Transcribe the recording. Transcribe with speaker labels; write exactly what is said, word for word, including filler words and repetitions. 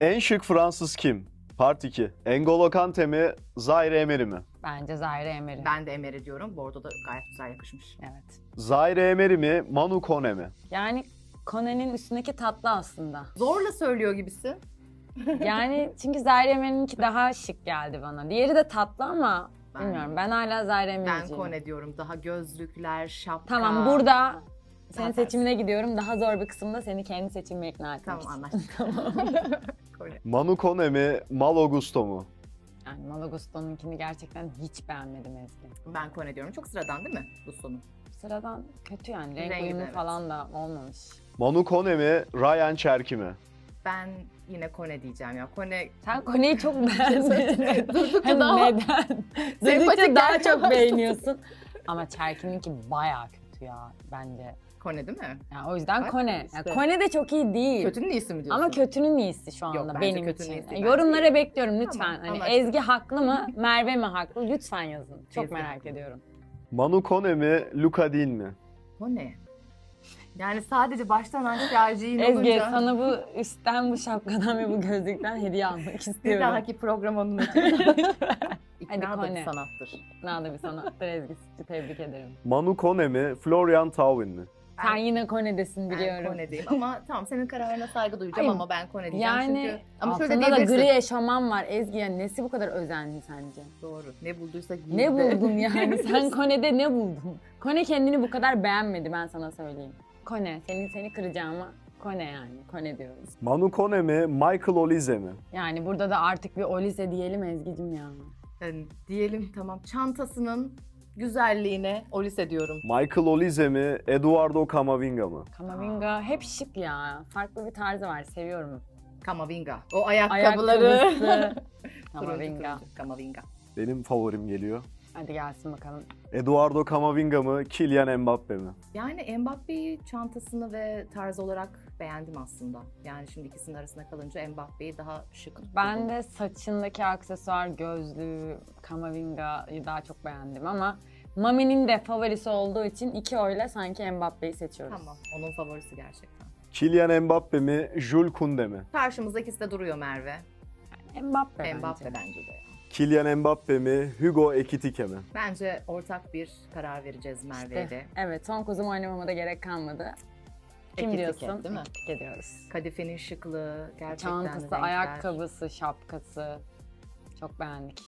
Speaker 1: En şık Fransız kim? Part iki. N'Golo Kante mi? Zaire Emery mi?
Speaker 2: Bence Zaire Emery.
Speaker 3: Ben de Emery diyorum. Bordo da gayet güzel yakışmış.
Speaker 2: Evet.
Speaker 1: Zaire Emery mi? Manu Kone mi?
Speaker 2: Yani Kone'nin üstündeki tatlı aslında.
Speaker 3: Zorla söylüyor gibisin.
Speaker 2: Yani çünkü Zaire Emery'ninki daha şık geldi bana. Diğeri de tatlı ama
Speaker 3: Ben-
Speaker 2: bilmiyorum. Ben hala Zaire
Speaker 3: Ben
Speaker 2: Emery'ciyim.
Speaker 3: Kone diyorum. Daha gözlükler, şapka.
Speaker 2: Tamam, burada senin
Speaker 3: Daha
Speaker 2: seçimine gidiyorum. Daha zor bir kısımda seni kendi seçimime ikna etmek
Speaker 3: Tamam
Speaker 2: için.
Speaker 3: anlaştık. Kone.
Speaker 1: Manu Kone mi? Malo Gusto mu?
Speaker 2: Yani Malagusto'nunkini gerçekten hiç beğenmedim Ezgi.
Speaker 3: Ben Kone diyorum. Çok sıradan değil mi bu sonu?
Speaker 2: Sıradan kötü yani. Renk
Speaker 3: Rengi de
Speaker 2: uyumu
Speaker 3: evet.
Speaker 2: falan da olmamış.
Speaker 1: Manu Kone mi? Ryan Cherki mi?
Speaker 3: Ben yine Kone diyeceğim ya. Kone
Speaker 2: Sen Kone'yi çok beğendin.
Speaker 3: Durdukça
Speaker 2: Hem
Speaker 3: daha
Speaker 2: neden?
Speaker 3: sempatik
Speaker 2: Durdukça daha
Speaker 3: gelmeye
Speaker 2: çok
Speaker 3: başladı.
Speaker 2: beğeniyorsun. Ama Cherki'ninki bayağı kötü ya bence.
Speaker 3: Kone değil mi?
Speaker 2: Yani o yüzden
Speaker 3: Bak
Speaker 2: Kone.
Speaker 3: işte.
Speaker 2: Yani Kone de çok iyi değil.
Speaker 3: Kötünün iyisi mi diyorsun?
Speaker 2: Ama kötünün iyisi şu anda
Speaker 3: Yok, bence
Speaker 2: benim
Speaker 3: kötünün
Speaker 2: için.
Speaker 3: iyisi.
Speaker 2: Yani
Speaker 3: Bence
Speaker 2: yorumlara
Speaker 3: iyi.
Speaker 2: bekliyorum lütfen.
Speaker 3: Tamam,
Speaker 2: hani
Speaker 3: anlaştık.
Speaker 2: Ezgi haklı mı, Merve mi haklı? Lütfen yazın. Çok
Speaker 3: Ezgi
Speaker 2: merak
Speaker 3: haklı.
Speaker 2: ediyorum.
Speaker 1: Manu Kone mi? Luka Dean mi?
Speaker 3: Kone. Yani sadece baştan aşağıcıyın
Speaker 2: Ezgi
Speaker 3: olunca.
Speaker 2: sana bu üstten, bu şapkadan ve bu gözlükten hediye almak
Speaker 3: Bir
Speaker 2: istiyorum.
Speaker 3: dahaki program onun için.
Speaker 2: Hadi
Speaker 3: İkna da
Speaker 2: Kone.
Speaker 3: bir sanattır.
Speaker 2: Ne da bir sanattır Ezgi. Tebrik ederim.
Speaker 1: Manu Kone mi? Florian Thauvin mi?
Speaker 2: Sen yine Kone'desin
Speaker 3: Ben
Speaker 2: biliyorum.
Speaker 3: Kone diyeyim ama tamam senin kararına saygı duyacağım
Speaker 2: Hayır,
Speaker 3: ama ben Kone diyeceğim
Speaker 2: Yani
Speaker 3: çünkü. Ama şöyle
Speaker 2: altında da
Speaker 3: diyebilirsin.
Speaker 2: gri eşofman var Ezgi. Yani nesi bu kadar özenli sence?
Speaker 3: Doğru. Ne bulduysa giydi.
Speaker 2: Ne buldun yani? Sen Kone'de ne buldun? Kone kendini bu kadar beğenmedi, ben sana söyleyeyim. Kone, seni seni kıracağıma Kone yani. Kone diyoruz.
Speaker 1: Manu Kone mi? Michael Olise mi?
Speaker 2: Yani burada da artık bir Olise diyelim Ezgi'cim ya.
Speaker 3: Yani diyelim tamam çantasının güzelliğine Olise diyorum.
Speaker 1: Michael Olise mi? Eduardo Camavinga mı?
Speaker 2: Kamavinga hep şık ya. Farklı bir tarzı var, seviyorum.
Speaker 3: Kamavinga. O ayakkabıları.
Speaker 2: Ayakkabısı.
Speaker 3: Turuncu,
Speaker 2: Kamavinga.
Speaker 3: turuncu. Kamavinga.
Speaker 1: Benim favorim geliyor.
Speaker 2: Hadi gelsin bakalım.
Speaker 1: Eduardo Camavinga mı? Kylian Mbappe mi?
Speaker 3: Yani Mbappe'yi çantasını ve tarz olarak beğendim aslında. Yani şimdi ikisinin arasında kalınca Mbappe'yi daha şık buldum.
Speaker 2: Ben de saçındaki aksesuar, gözlüğü, Kamavinga'yı daha çok beğendim ama Mami'nin de favorisi olduğu için iki oyla sanki Mbappe'yi seçiyoruz.
Speaker 3: Tamam. Onun favorisi gerçekten.
Speaker 1: Kylian Mbappe mi? Jules Koundé mi?
Speaker 3: Karşımızda ikisi de duruyor Merve.
Speaker 2: Mbappe bence.
Speaker 3: Mbappe bence de.
Speaker 1: Kylian Mbappe mi? Hugo Ekitike mi?
Speaker 3: Bence ortak bir karar vereceğiz Merve'ye de.
Speaker 2: Evet, son kuzumu oynamama da gerek kalmadı. Kim
Speaker 3: Ekitike,
Speaker 2: diyorsun?
Speaker 3: değil mi?
Speaker 2: Ekitike diyoruz.
Speaker 3: Kadifenin şıklığı, gerçekten
Speaker 2: Çantası,
Speaker 3: renkler.
Speaker 2: ayakkabısı, şapkası. Çok beğendik.